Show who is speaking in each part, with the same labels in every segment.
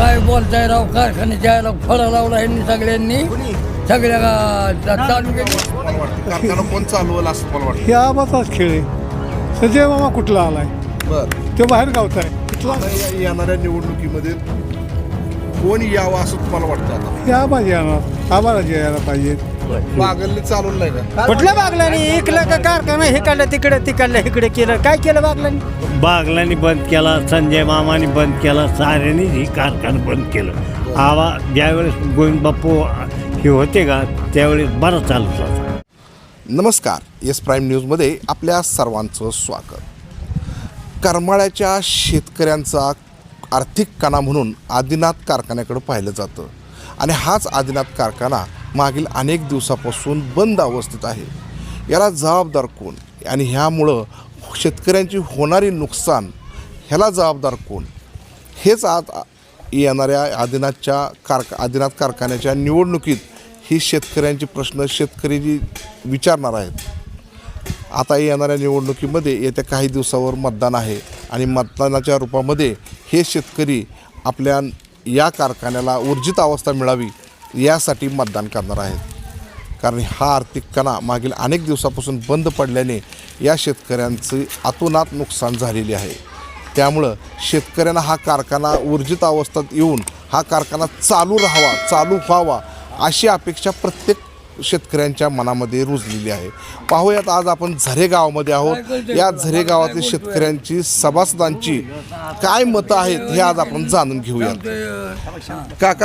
Speaker 1: काय बोलताय राव, कारखाने जायला फळं लावला ह्यांनी सगळ्यांनी, सगळ्या चालू केली.
Speaker 2: कारखाना कोण चालवलं असं मला वाटतं.
Speaker 3: हे आबाचाच खेळ आहे. संजय मामा कुठला आलाय?
Speaker 2: बरं,
Speaker 3: तो बाहेर गावचा आहे. कुठला
Speaker 2: आता येणाऱ्या निवडणुकीमध्ये कोण यावं असं तुम्हाला वाटतं आता?
Speaker 3: हे आबाज येणार, आबाला यायला पाहिजे.
Speaker 2: बागलने चालवलं नाही का?
Speaker 4: कुठल्या बागलानी इकलं का कारखाना हे काढलं तिकडे तिकडलं इकडे केलं, काय केलं बागलानी?
Speaker 5: बागलांनी बंद केला, संजय मामानी बंद केला, साऱ्यांनी ही कारखाना बंद केलं. आवा ज्यावेळेस गोविंद बाप्पू हे होते का त्यावेळेस बरं चालत होता.
Speaker 2: नमस्कार, एस प्राईम न्यूजमध्ये आपल्या सर्वांचं स्वागत. करमाळ्याच्या शेतकऱ्यांचा आर्थिक कणा म्हणून आदिनाथ कारखान्याकडे पाहिलं जातं आणि हाच आदिनाथ कारखाना मागील अनेक दिवसापासून बंद अवस्थेत आहे. याला जबाबदार कोण आणि ह्यामुळं शेतकऱ्यांची होणारी नुकसान ह्याला जबाबदार कोण, हेच आज येणाऱ्या आदिनाथ कारखान्याच्या निवडणुकीत ही शेतकऱ्यांचे प्रश्न शेतकरी जी विचारणार आहेत. आता येणाऱ्या निवडणुकीमध्ये येत्या काही दिवसावर मतदान आहे आणि मतदानाच्या रूपामध्ये हे शेतकरी आपल्या या कारखान्याला ऊर्जित अवस्था मिळावी यासाठी मतदान करणार आहेत. कारण हा आर्थिक कणा मागील अनेक दिवसापासून बंद पडल्याने या शेतकऱ्यांचे अतोनात नुकसान झालेले आहे. त्यामुळं शेतकऱ्यांना हा कारखाना ऊर्जित अवस्थेत येऊन हा कारखाना चालू राहावा, चालू व्हावा अशी अपेक्षा प्रत्येक शेतकऱ्यांच्या मनामध्ये रुजलेली आहे. पाहूयात, आज आपण झरे गावामध्ये आहोत. या झरे गावातील शेतकऱ्यांची, सभासदांची काय मतं आहेत हे आज आपण जाणून घेऊयात. काका,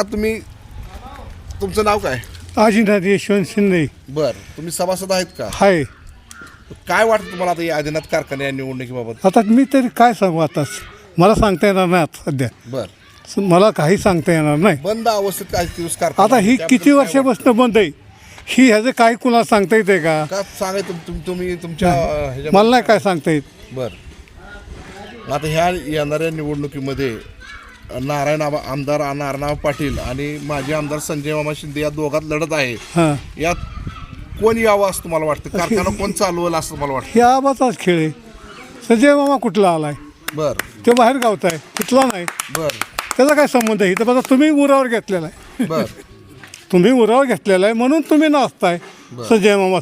Speaker 2: तुमचं नाव काय?
Speaker 3: आजीनाथ यशवंत शिंदे.
Speaker 2: बरं, तुम्ही सभासद आहेत का?
Speaker 3: हाय.
Speaker 2: काय वाटतं तुम्हाला आता या आदिनाथ कारखाना या निवडणुकीबाबत?
Speaker 3: आता मी तरी काय सांगू आताच, मला सांगता येणार नाही आता सध्या.
Speaker 2: बरं,
Speaker 3: मला काही सांगता येणार नाही.
Speaker 2: बंद अवस्थेत काय दिवस कारखाना
Speaker 3: आता ही
Speaker 2: त्याबद्दल
Speaker 3: किती
Speaker 2: काय
Speaker 3: वर्षापासून बंद आहे, ही ह्याचं काही कुणाला सांगता येते का?
Speaker 2: वाटतं? का सांगाय तुम्ही तुमच्या
Speaker 3: मला नाही काय सांगता येत.
Speaker 2: बरं, आता ह्या येणाऱ्या निवडणुकीमध्ये आमदार नारायणराव पाटील आणि माजी आमदार संजय मामा शिंदे या दोघात लढत आहे.
Speaker 3: हां,
Speaker 2: यात कोण यावं असं तुम्हाला वाटतं? कारखाना कोण चालवलं असं तुम्हाला वाटतं?
Speaker 3: हे आबाचाच खेळ आहे. संजय मामा कुठला आलाय?
Speaker 2: बरं
Speaker 3: तो बाहेर गावचा आहे. कुठला नाही,
Speaker 2: बरं
Speaker 3: त्याचा काय संबंध आहे? तर बघा, तुम्ही उरावर घेतलेला आहे.
Speaker 2: बरं
Speaker 3: तुम्ही उरावर घेतलेला आहे म्हणून तुम्ही नाचताय. संजय मामा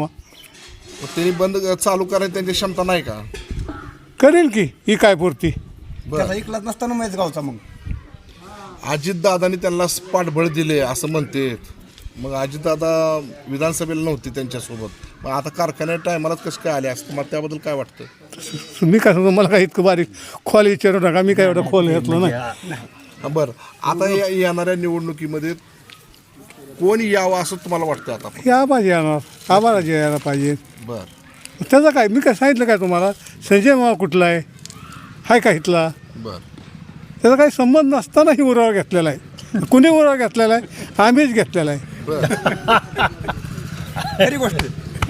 Speaker 2: मग त्यांनी बंद चालू करायची त्यांची क्षमता नाही का?
Speaker 3: करेल की ही काय पुरती.
Speaker 2: बरं,
Speaker 4: इकलाच नसताना माहित गावचा मग
Speaker 2: अजितदादांनी त्यांना पाठबळ दिले असं म्हणते. मग अजितदादा विधानसभेला नव्हती त्यांच्यासोबत, मग आता कारखान्या टायमालाच कसं काय आले असतं? मला त्याबद्दल काय वाटतं?
Speaker 3: तुम्ही काय सांगतो, मला काय इतकं बारीक खोल विचारू नका. मी काय एवढं खोल घेतलं नाही.
Speaker 2: हां, बरं, आता येणाऱ्या निवडणुकीमध्ये कोण यावं असं तुम्हाला वाटतं आता?
Speaker 3: हे आबाज येणार, आबाला यायला पाहिजे.
Speaker 2: बरं
Speaker 3: त्याचं काय, मी काय सांगितलं काय तुम्हाला? संजय मामा कुठला आहे, हाय का इथला?
Speaker 2: बरं
Speaker 3: त्याचा काही संबंध नसताना ही उरावर घेतलेला आहे. कुणी उरावर घेतलेला आहे? आम्हीच घेतलेला आहे.
Speaker 4: खरी गोष्ट.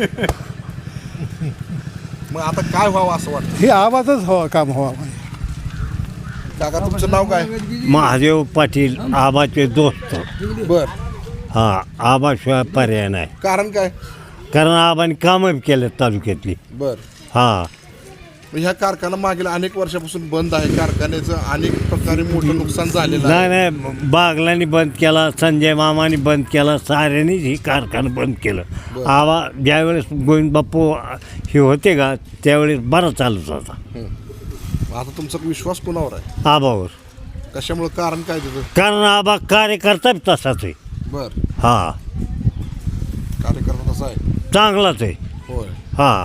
Speaker 2: मग आता काय व्हावं असं वाटतं?
Speaker 3: हे आबाजच हवा, काम हवा.
Speaker 2: काका, तुमचं नाव काय?
Speaker 5: महादेव पाटील आबाचे दोस्त.
Speaker 2: बरं,
Speaker 5: हां, आबाशिवाय पर्याय नाही.
Speaker 2: कारण काय?
Speaker 5: कारण आबाने कामं केलं तालुक्यातली.
Speaker 2: बरं,
Speaker 5: हां,
Speaker 2: मग ह्या कारखाना मागील अनेक वर्षापासून बंद आहे. कारखान्याचं अनेक प्रकारे मोठं नुकसान झालेलं आहे.
Speaker 5: नाही, बागलांनी बंद केला, संजय मामानी बंद केला, साऱ्यांनीच ही कारखाना बंद केलं. आवा ज्यावेळेस गोविंद बाप्पू हे होते का त्यावेळेस बरं चालत होता.
Speaker 2: आता तुमचा विश्वास कोणावर आहे?
Speaker 5: आबावर.
Speaker 2: कशामुळे? कारण काय त्याचं?
Speaker 5: कारण आबा कार्यकर्ता बी तसाच आहे.
Speaker 2: बरं,
Speaker 5: हां,
Speaker 2: कार्यकर्ता तसा आहे.
Speaker 5: चांगलाच आहे.
Speaker 2: होय.
Speaker 5: हां,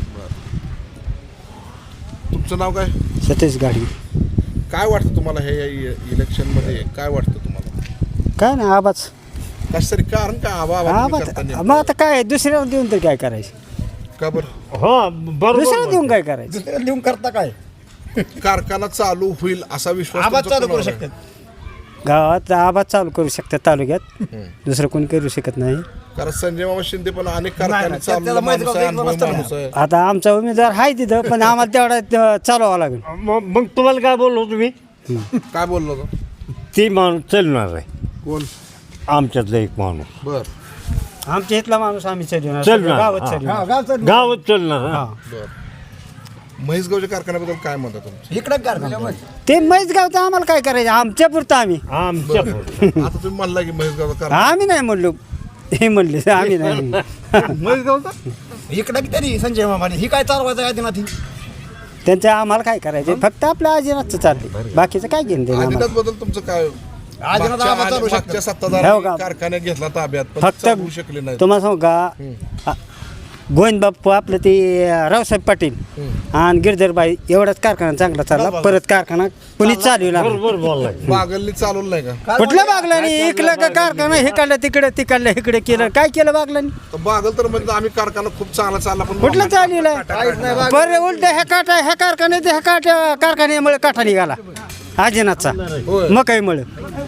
Speaker 2: तुमचं नाव काय?
Speaker 4: सतीश गाडी.
Speaker 2: काय वाटतं तुम्हाला हे इलेक्शनमध्ये? काय वाटतं तुम्हाला?
Speaker 4: काय नाही आबाच.
Speaker 2: कशातरी कारण काय?
Speaker 4: मग आता काय दुसऱ्याला देऊन तर काय करायचं?
Speaker 2: का बरं?
Speaker 5: हो,
Speaker 4: दुसऱ्याला देऊन
Speaker 5: बरोबर.
Speaker 4: काय करायचं?
Speaker 6: लिहून करता काय?
Speaker 2: कारखाना चालू होईल असा विश्वास
Speaker 6: आवाज
Speaker 2: तुमचा
Speaker 6: चालू करू
Speaker 2: कोणावर आहे?
Speaker 6: शकतात.
Speaker 4: गावात आबाज चालू करू शकतात तालुक्यात, दुसरं कोणी करू शकत नाही.
Speaker 2: कारण संजय मामा शिंदे पण अनेक कारखाने
Speaker 6: नाही,
Speaker 2: चालू
Speaker 6: त्याला माहिती
Speaker 2: माणूस आहे,
Speaker 6: नव्हतं,
Speaker 2: अनुभवी
Speaker 6: नसतं
Speaker 2: माणूस आहे.
Speaker 4: आता आमचा उमेदवार आहे तिथं, पण आम्हाला तेवढा चालवावं लागेल.
Speaker 5: मग तुम्हाला काय बोललो तुम्ही?
Speaker 2: काय बोललो होतो?
Speaker 5: ती माणूस चालणार आहे.
Speaker 2: कोण?
Speaker 5: आमच्यातला एक माणूस
Speaker 2: बर
Speaker 4: आमच्या इथला माणूस आम्ही चालवणार.
Speaker 5: चालणार.
Speaker 4: गावात
Speaker 5: हां.
Speaker 4: चालवणार.
Speaker 6: गावचं
Speaker 5: गावात चालणार. हां.
Speaker 4: हां.
Speaker 2: बर म्हैसगावच्या कारखान्याबद्दल काय म्हणता तुम्ही?
Speaker 4: ते म्हैसगावचं आम्हाला काय करायचं आमच्या पुरतं आम्ही
Speaker 5: आमच्या
Speaker 2: आता तुम्ही म्हणला की म्हैसगावचा कारखाना
Speaker 4: आम्ही नाही म्हणलो हे म्हणले आम्ही नाही
Speaker 2: म्हैसगावचा
Speaker 6: इकडं की तरी संजय मामाने ही काय चालवायचं आदिनाथ ही
Speaker 4: त्यांचं आम्हाला काय करायचं फक्त आपलं आजीनाथचं चालले बाकीचं काय घेणं देणं आम्हाला.
Speaker 2: आदिनाथ बद्दल तुमचं काय
Speaker 6: आदिनाथ आबा चालू शकतात.
Speaker 2: मागच्या
Speaker 4: हो
Speaker 2: सत्ताधार
Speaker 4: का?
Speaker 2: कारखान्यात घेतला ताब्यात पण
Speaker 4: फक्त
Speaker 2: चालवू शकले नाही.
Speaker 4: तुम्हाला सांगू का गोविंद बाप्पू आपलं ते रावसाहेब पाटील आणि गिरधरबाई एवढाच कारखाना चांगला चालला परत कारखाना कुणीच चालविला नाही.
Speaker 5: बरोबर बोललाय
Speaker 2: बागलनी चालवलं नाही का?
Speaker 4: कुठल्या बागलानी इकलं का कारखाना हे काढलं तिकडे तिकडलं इकडे केलं काय केलं बागलानी
Speaker 2: तर बागल तर म्हणजे आम्ही कारखाना खूप चांगला चालला पण
Speaker 4: कुठलं चालविलं बरं उलट ह्या कारखान्यात ह्या कारखान्यामुळे काठा निघाला आजीनाथचा
Speaker 2: होय.
Speaker 4: मकाईमुळे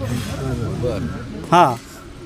Speaker 4: हा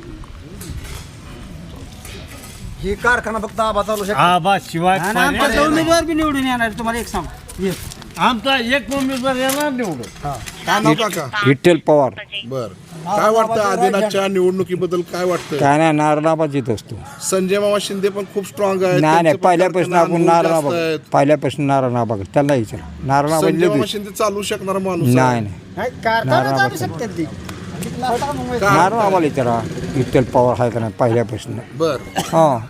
Speaker 6: ही कारखाना फक्त आबा चालू शकतात.
Speaker 5: आबा शिवाय
Speaker 4: आणि आमचा उमेदवार बी निवडून येणार तुम्हाला एक सांग
Speaker 5: आमचा एक उमेदवार येणार निवडून
Speaker 2: काय नाव काका?
Speaker 7: विठ्ठल पवार
Speaker 2: बर काय वाटतं आदिनाथच्या निवडणुकीबद्दल काय वाटतं?
Speaker 7: काय नाही नारळाबाद येत असतो
Speaker 2: संजय मामा शिंदे पण खूप स्ट्रॉंग आहे.
Speaker 7: नाही
Speaker 2: त्यांचे पण
Speaker 7: पहिल्यापासून
Speaker 2: कारखाना
Speaker 7: आपण
Speaker 2: अनुभव जास्त
Speaker 7: नारळाबाद
Speaker 2: आहेत.
Speaker 7: पहिल्यापासून नारळाबाद त्याला विचार नारळाबाद
Speaker 2: संजय मामा
Speaker 7: लगेच
Speaker 2: शिंदे चालू शकणारा माणूस
Speaker 7: नाही
Speaker 2: आहे.
Speaker 7: नाही
Speaker 4: कारखाना चालू शकतात ती
Speaker 7: नारळाबाद विचारा विठ्ठल पवार आहे का नाही पहिल्यापासून
Speaker 2: बर
Speaker 7: हा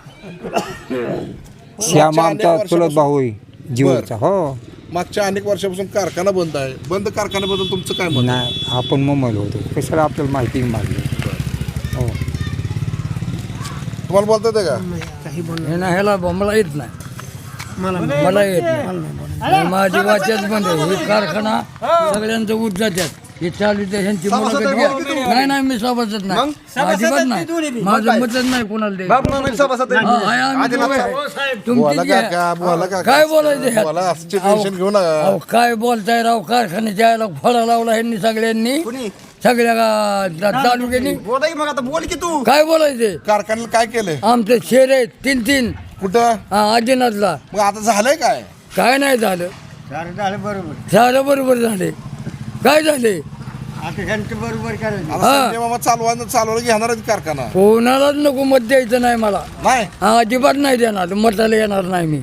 Speaker 7: श्याम आमचा
Speaker 2: अनेक
Speaker 7: चुलत भाऊ आहे जीवचा हो
Speaker 2: मागच्या अनेक वर्षापासून कारखाना बंद आहे. बंद कारखान्याबद्दल तुमचं काय मत आहे?
Speaker 7: नाही आपण मुंबईला होतो कशाला आपल्याला माहिती मागली हो
Speaker 2: तुम्हाला बोलता येते का?
Speaker 1: हे ना ह्याला मला येत नाही मला येत नाही माझी वाचच बंद आहे हे कारखाना सगळ्यांचं उठ जातात हे चालू आहे ह्यांची मुलाखत घ्या नाही मी सभासद नाही अजिबात नाही माझं मतच नाही कोणाला द्यायचं. हा, आहे आम्ही दोघं आहे. तुमची
Speaker 2: बोला
Speaker 1: जी आहे.
Speaker 2: काका, बोला काका.
Speaker 1: काय बोलायचं ह्यात?
Speaker 2: बोला, असं टेन्शन घेऊ नका.
Speaker 1: अहो, काय बोलताय राव कारखान्याच्या यायला फळा लावला ह्यांनी सगळ्यांनी सगळ्या तालुक्यांनी
Speaker 6: बोला की मग आता बोल की तू
Speaker 1: काय बोलायचे
Speaker 2: कारखान्याला काय केलंय?
Speaker 1: आमचे शेर आहेत तीन
Speaker 2: कुठं?
Speaker 1: आदिनाथला
Speaker 2: मग आता झालंय काय?
Speaker 1: काय नाही झालं झालं बरोबर झाले काय झाले
Speaker 2: आता संजय मामा चालवायला घेणार आहेत कारखाना
Speaker 1: कोणालाच नको मत द्यायचं नाही मला
Speaker 2: नाही.
Speaker 1: अजिबात नाही देणार मताला येणार नाही मी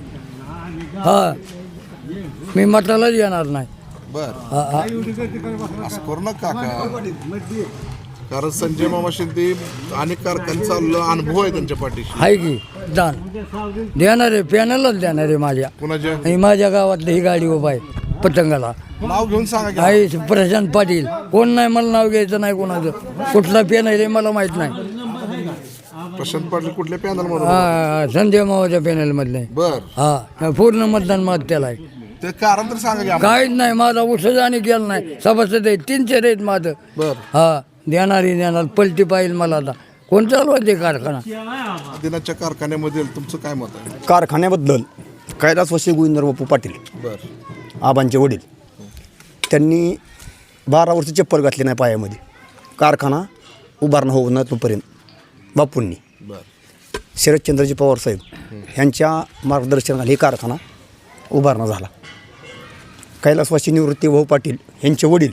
Speaker 1: मी मतालाच येणार नाही
Speaker 2: बर
Speaker 1: हा.
Speaker 2: असं करू नका काका कारण संजय मामा शिंदे अनेक कारखाने चाललं अनुभव आहे त्यांच्या पाठीशी.
Speaker 1: आहे की दान देणार आहे पॅनलच देणार आहे माझ्या
Speaker 2: कुणाच्या
Speaker 1: आणि माझ्या गावातली ही गाडी उभा आहे पतंगाला
Speaker 2: नाव घेऊन सांगा की.
Speaker 1: आहे प्रशांत पाटील कोण नाही मला नाव घ्यायचं नाही कोणाचं कुठला पॅनल आहे मला माहित नाही
Speaker 2: प्रशांत पाटील कुठल्या पॅनल मधून?
Speaker 1: हा संजय मावाच्या पॅनल मधले
Speaker 2: बर
Speaker 1: हा पूर्ण मतदान मत त्याला आहे
Speaker 2: ते कारण तर सांगा की आम्हाला.
Speaker 1: काहीच नाही माझा उसच आणि गेला नाही सभासद आहे 300 आहेत माझं
Speaker 2: बर
Speaker 1: हा देणार पलटी पाहिजे मला आता कोण चालवायचे कारखाना
Speaker 2: दिनाच्या कारखान्यामध्ये तुमचं काय मत आहे?
Speaker 6: कारखान्याबद्दल कैलासवासी गोविंदर बापू पाटील
Speaker 2: बर
Speaker 6: आबांचे वडील त्यांनी 12 वर्ष चप्पल घातली नाही पायामध्ये कारखाना उभारणं होऊ न तोपर्यंत बापूंनी
Speaker 2: बर
Speaker 6: शरदचंद्रजी पवार साहेब ह्यांच्या मार्गदर्शनाखाली हे कारखाना उभारणं झाला कैलासवासी निवृत्ती भाऊ पाटील यांचे वडील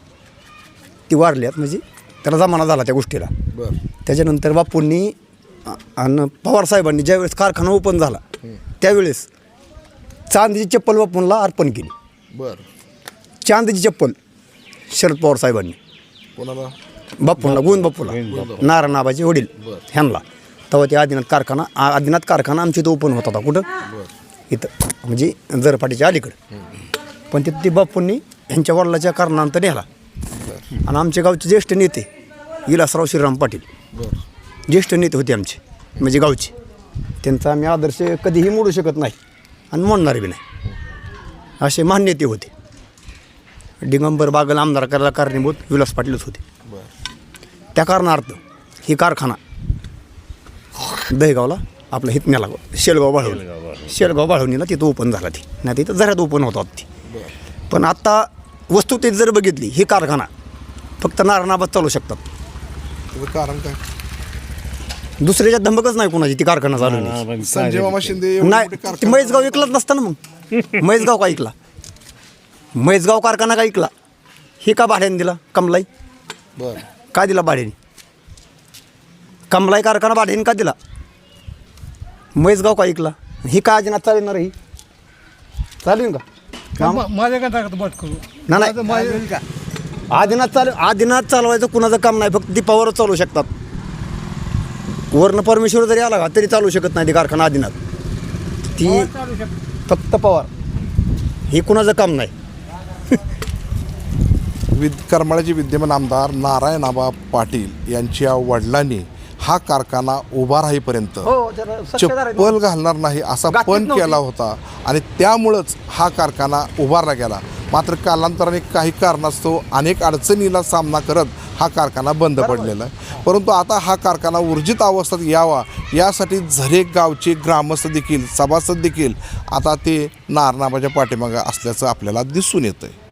Speaker 6: ती वारल्यात म्हणजे त्याला जमाना झाला त्या गोष्टीला
Speaker 2: बर
Speaker 6: त्याच्यानंतर बापूंनी आणि पवारसाहेबांनी ज्यावेळेस कारखाना ओपन झाला त्यावेळेस चांदीची चप्पल बापूंना अर्पण केली
Speaker 2: बर
Speaker 6: चांदीची चप्पल शरद पवार साहेबांनी
Speaker 2: कोणाला?
Speaker 6: बापूंना गोविंद बापूला नारायण आबाचे वडील ह्यांना तेव्हा ते आदिनाथ कारखाना आमच्या इथं ओपन होत होता कुठं इथं म्हणजे जरपाटीच्या अलीकडं पण तिथं ते बापूंनी ह्यांच्या वडिलाच्या कारणांतर नेला आणि आमच्या गावचे ज्येष्ठ नेते विलासराव श्रीराम पाटील
Speaker 2: बर
Speaker 6: ज्येष्ठ नेते होते आमचे म्हणजे गावचे त्यांचा आम्ही आदर्श कधीही मोडू शकत नाही आणि मोडणारे बी नाही असे महान नेते होते दिगंबर बागल आमदार करायला कारणीभूत विलास पाटीलच होते त्या कारणार्थ ही कारखाना दहेगावला आपलं हित नेला शेलगाव बाळवणीला तिथं ओपन झाला ती नाही तिथं झऱ्यात ओपन होता ती पण आत्ता वस्तुस्थिती जर बघितली ही कारखाना फक्त नारायणाबाद चालू शकतात
Speaker 2: त्याचं कारण काय?
Speaker 6: दुसऱ्याच्या धमकच नाही कोणाची ती कारखाना चालवण्याची
Speaker 2: संजय मामा शिंदे एवढे
Speaker 6: नाही
Speaker 2: मोठे
Speaker 6: ते
Speaker 2: कारखाने-
Speaker 6: म्हैसगाव ऐकलाच नसतं ना मग म्हैसगाव का ऐकला म्हैसगाव कारखाना का ऐकला ही का भाड्याने दिला कमलाई
Speaker 2: बर
Speaker 6: का दिला भाड्याने कमलाई कारखाना भाड्याने का दिला म्हैसगाव का ऐकला ही का अजिनाथ चालणार ही चालेल का
Speaker 3: माझ्या टाकत बट करू
Speaker 6: नाही आदिनाथ चालवायचं कुणाचं काम नाही, फक्त ती पवारच चालवू शकतात. वरनं परमेश्वर जरी आला का तरी चालू शकत नाही ते कारखाना आदिनाथ. ती फक्त पवार, हे कुणाचं काम नाही.
Speaker 2: करमाळ्याचे विद्यमान आमदार नारायणआबा पाटील यांच्या वडिलांनी हा कारखाना उभा राहीपर्यंत चप्पल घालणार नाही असा पण केला होता आणि त्यामुळंच हा कारखाना उभारला गेला. मात्र कालांतराने काही कारणास्तव अनेक अडचणीला सामना करत हा कारखाना बंद पडलेला आहे. परंतु आता हा कारखाना ऊर्जित अवस्थेत यावा यासाठी झरे गावचे ग्रामस्थ देखील सभासद देखील आता ते नारायणआबाच्या पाठीमागे असल्याचं आपल्याला दिसून येतं आहे.